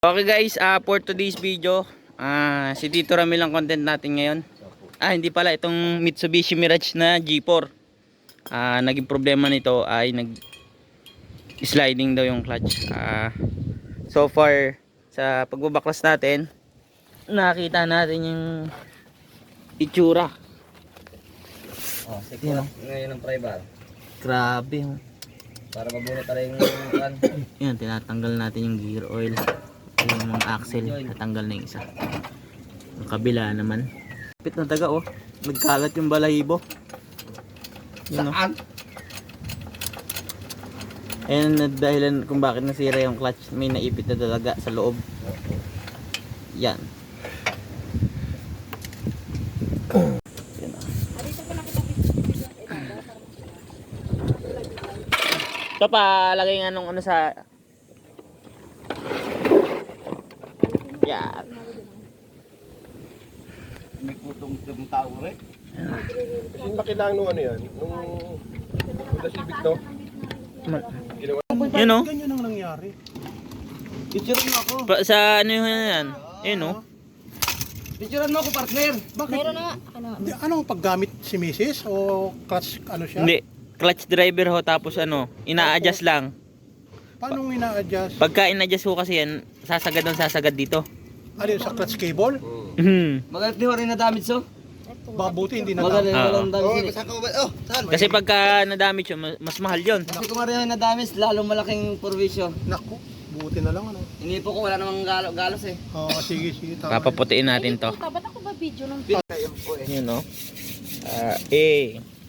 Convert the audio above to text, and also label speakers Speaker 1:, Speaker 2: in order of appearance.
Speaker 1: Okay guys, for today's video, si Tito Ramil ang content natin ngayon. Hindi pala, itong Mitsubishi Mirage na G4. Naging problema nito ay sliding daw yung clutch. So far, sa pagbabaklas natin, nakita natin yung itsura.
Speaker 2: Sige na. Ngayon ang pry-bar.
Speaker 1: Grabe.
Speaker 2: Para mabunot na rin yung kan.
Speaker 1: Yan, tinatanggal natin yung gear oil. Yung mga axle, natanggal na yung isa. Yung kabila naman. Pit na taga oh. Nagkalat yung balahibo. Yun,
Speaker 2: Saan?
Speaker 1: Ayan dahilan kung bakit nasira yung clutch. May naipit na talaga sa loob. Yan. Yan oh. Ito pa, lagay nga nung ano sa... Yan.
Speaker 2: May kutong tao rin.
Speaker 3: Kasi makilang nung ano yan, nung Civic no?
Speaker 1: Yun oh.
Speaker 3: Ganyan ang nangyari.
Speaker 2: Picturean mo ako.
Speaker 1: Sa ano yun yan? Yun oh.
Speaker 2: Picturean mo ako, partner.
Speaker 3: Bakit?
Speaker 4: Meron na nga.
Speaker 3: Anong paggamit si Mrs. o clutch ano siya?
Speaker 1: Hindi. Clutch driver ho, tapos ano, ina-adjust lang.
Speaker 3: Paano ina-adjust?
Speaker 1: Pagka in-adjust ho kasi yan, sasagad dito.
Speaker 3: Ano yun, sa clutch cable?
Speaker 2: Magalit di ho rin na damage so.
Speaker 3: Mabuti hindi na
Speaker 2: Magalit
Speaker 1: Oo.
Speaker 2: walang damage. Saan?
Speaker 1: Kasi pagka na-damage yun, mas mahal yun.
Speaker 2: Kasi kung rin na damage, lalong malaking provision.
Speaker 3: Naku, buti na lang ano.
Speaker 2: Inipo ko, wala namang galos eh.
Speaker 3: Sige, tama.
Speaker 1: Papaputiin natin to.
Speaker 4: Ba't ako ba video ng
Speaker 1: Yun oh.